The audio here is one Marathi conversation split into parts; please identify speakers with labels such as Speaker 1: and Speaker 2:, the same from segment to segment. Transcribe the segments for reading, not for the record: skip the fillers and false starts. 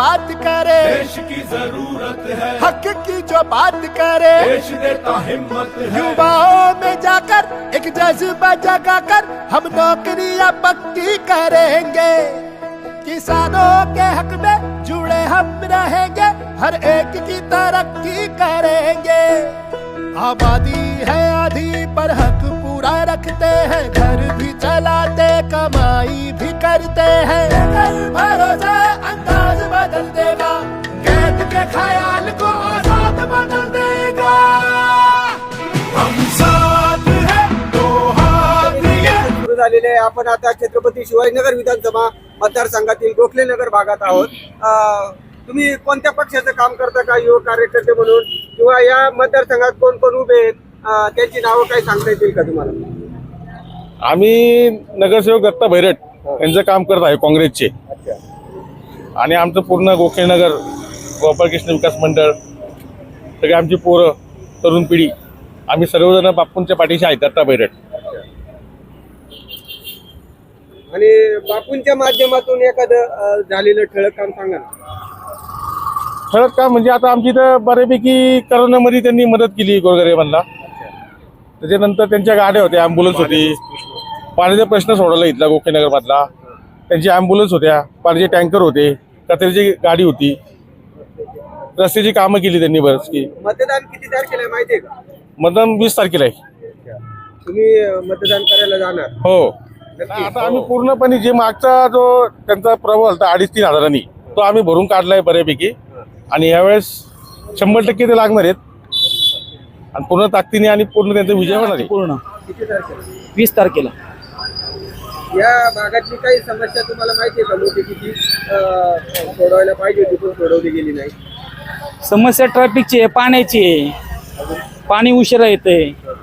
Speaker 1: बात करे,
Speaker 2: देश की जरूरत है,
Speaker 1: हक की जो बात करे,
Speaker 2: देश देता हिम्मत है।
Speaker 1: युवाओं में जाकर एक जज्बा जगाकर हम नौकरियां पक्की करेंगे। किसानों के हक में जुड़े हम रहेंगे, हर एक की तरक्की करेंगे। आबादी है आधी पर हक पूरा रखते हैं, घर भी चलाते कमाई भी करते हैं। लेकर भरोसा अंदाज बदल देगा, कैद के ख्याल को आजाद बदल देगा। हम साथ हैं तो हाथ ये
Speaker 3: सुरू झालेले आहे। आपण आता छत्रपती शिवाजीनगर विधानसभा मतदारसंघातील गोखलेनगर भागात आहोत। तुम्ही कोणत्या पक्षाचं काम करता का, युवक कार्यकर्ते म्हणून, किंवा या मतदारसंघात कोण कोण उभे आहेत, त्यांची नावं काही सांगता येतील का तुम्हाला?
Speaker 4: आम्ही नगरसेवक दत्ता भैरट यांचं काम करत आहे काँग्रेसचे, आणि आमचं पूर्ण गोखलेनगर गोपाळकृष्ण विकास मंडळ, सगळे आमची पोरं, तरुण पिढी, आम्ही सर्वजण बापूंच्या पाठीशी आहे. दत्ता भैरट.
Speaker 3: आणि बापूंच्या माध्यमातून एखादं झालेलं ठळक काम सांगा ना.
Speaker 4: ठळक काम म्हणजे आता आमची इथं बऱ्यापैकी करोनामध्ये त्यांनी मदत केली गोरगरिबांना. त्याच्यानंतर त्यांच्या गाड्या होत्या, ॲम्ब्युलन्स होती, पाण्याचा प्रश्न सोडवला इथला गोखलेनगर मधला. त्यांची ॲम्ब्युलन्स होत्या, पाण्याचे टँकर होते, कचऱ्याची गाडी होती, रस्त्याची कामं केली त्यांनी बरंच की.
Speaker 3: मतदान किती तारखेला आहे माहिती आहे का?
Speaker 4: मतदान 20 तारखेला आहे.
Speaker 3: तुम्ही मतदान करायला जाणार?
Speaker 4: हो. आता आम्ही पूर्णपणे जे मागचा जो त्यांचा प्रभाव होता 2,500-3 हजारांनी, तो आम्ही भरून काढलाय बऱ्यापैकी. आणि यावेळेस 100% ते लागणार आहेत, आणि पूर्ण ताकदीने आणि पूर्ण त्यांचा विजय होणार आहे.
Speaker 5: पूर्ण
Speaker 3: किती तारखेला?
Speaker 5: 20 तारखेला.
Speaker 3: या भागातली काही समस्या तुम्हाला माहिती आहे का? मोठी किती सोडवायला पाहिजे होती पण सोडवली गेली नाही.
Speaker 5: समस्या ट्रॅफिकची आहे, पाण्याची आहे, पाणी उशिरा येते,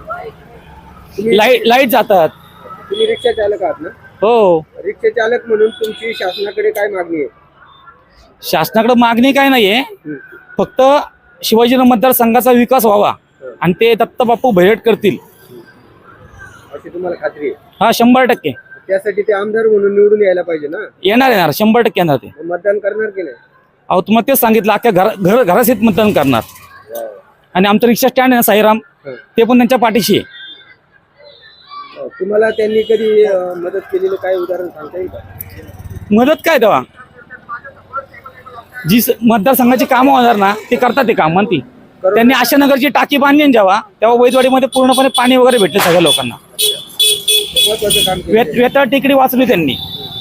Speaker 5: लाईट जातात.
Speaker 3: तुम्ही रिक्षा चालक आहात ना?
Speaker 5: हो.
Speaker 3: रिक्षा चालक म्हणून तुमची शासनाकडे काय मागणी आहे?
Speaker 5: शासनाकडे मागणी काय नाहीये, फक्त शिवाजीनगर मतदारसंघाचा विकास व्हावा, आणि ते दत्ता बापू भैरट करतील
Speaker 3: अशी तुम्हाला खात्री आहे?
Speaker 5: हा, 100%.
Speaker 3: त्यासाठी ते आमदार म्हणून निवडून यायला पाहिजे ना?
Speaker 5: येणार 100% येणार ते.
Speaker 3: मतदान करणार की नाही?
Speaker 5: अहो, तुम्हाला तेच सांगितलं, अख्ख्या घरासहित मतदान करणार. आणि आमचं रिक्षा स्टँड आहे ना साईराम, ते पण त्यांच्या पाठीशी आहे.
Speaker 3: तुम्हाला त्यांनी कधी मदत केलेलं काय उदाहरण सांगता येईल का?
Speaker 5: मदत काय तेव्हा जी मतदारसंघाची कामं होणार ना, ते करतात ते काम. म्हणती त्यांनी आशानगरची टाकी बांधली ना तेव्हा वैदवाडीमध्ये पूर्णपणे पाणी वगैरे भेटले सगळ्या लोकांना. वेतळ टेकडी वाचली त्यांनी.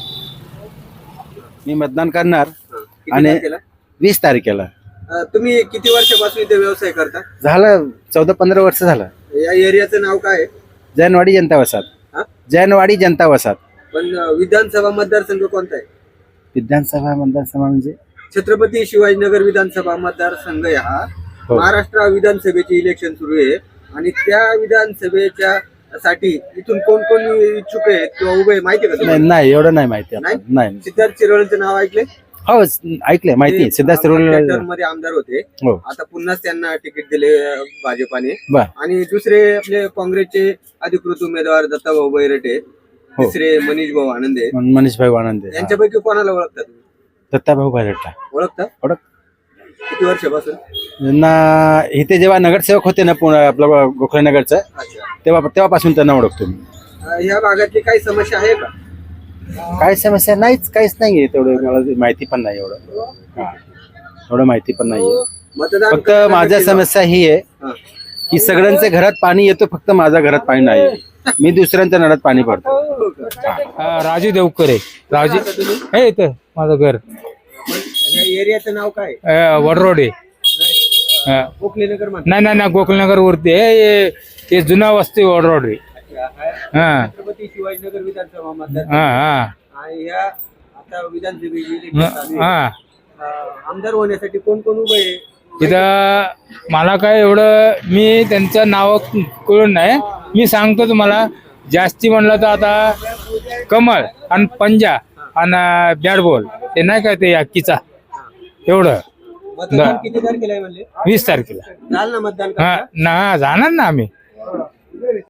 Speaker 6: मी मतदान करणार. आणि 20 तारखेला.
Speaker 3: तुम्ही किती वर्षापासून इथे व्यवसाय करता?
Speaker 6: झालं 14-15 वर्ष झालं.
Speaker 3: या एरियाचं नाव काय आहे?
Speaker 6: जैनवाडी जनता वसाहत. जैनवाडी जनता वसाहत.
Speaker 3: पण विधानसभा मतदारसंघ कोणता आहे?
Speaker 6: विधानसभा मतदारसंघ म्हणजे
Speaker 3: छत्रपती शिवाजीनगर विधानसभा मतदारसंघ हा महाराष्ट्र विधानसभेचे इलेक्शन सुरू आहे, आणि त्या विधानसभेच्या साठी इथून कोण कोण इच्छुक आहेत किंवा उभे आहे माहिती आहे का?
Speaker 6: नाही, एवढं नाही माहिती. नाही.
Speaker 3: सिद्धार्थ शिरोळेंचं नाव ऐकले?
Speaker 6: हो, ऐकलंय, माहिती आहे. सिद्धार्थ शिरोळे
Speaker 3: मध्ये आमदार होते,
Speaker 6: हो.
Speaker 3: आता पुन्हाच त्यांना तिकीट दिले भाजपाने.
Speaker 6: बर.
Speaker 3: आणि दुसरे आपले काँग्रेसचे अधिकृत उमेदवार दत्ताभाऊ भैरटे, तिसरे मनीष भाऊ आनंदे.
Speaker 6: मनीष भाई आनंदे.
Speaker 3: यांच्यापैकी कोणाला ओळखता तुम्ही?
Speaker 6: दत्ताभाऊ भैरटला
Speaker 3: ओळखता? किती वर्षापासून?
Speaker 6: ना इथे जेव्हा नगरसेवक होते ना आपलं गोखलेनगरचं, तेव्हापासून त्यांना ओळखतो मी.
Speaker 3: ह्या भागातली काही समस्या आहे का?
Speaker 6: काय समस्या नाहीच, काहीच नाहीये. तेवढं मला माहिती पण नाही एवढं माहिती पण नाहीये. फक्त माझ्या समस्या ही आहे की सगळ्यांच्या घरात पाणी येतो, फक्त माझ्या घरात पाणी नाही. मी दुसऱ्यांच्या नळात पाणी भरतो.
Speaker 7: राजू देवकर आहे. राजू हे इथं माझं घर.
Speaker 3: एरियाचं नाव काय?
Speaker 7: वडरोड आहे.
Speaker 3: गोखलेनगर
Speaker 7: नाही गोकुलनगर वरती हे जुना वस्ती वडरोड आहे.
Speaker 3: छत्रपती शिवाजीनगर विधानसभा मतदार. आणि या आता विधानसभेची आमदार होण्यासाठी कोण कोण उभे आहे?
Speaker 7: तिथं मला काय एवढं मी त्यांचं नाव कळून नाही. मी सांगतो तुम्हाला, जास्ती म्हणलं तर आता कमळ आणि पंजा आणि बॅट बॉल ते नाही काय ते हक्कीचा, एवढं.
Speaker 3: मतदान किती तारखेला आहे म्हणले?
Speaker 7: 20 तारखेला.
Speaker 3: जाल ना मतदान?
Speaker 7: जाणार ना आम्ही.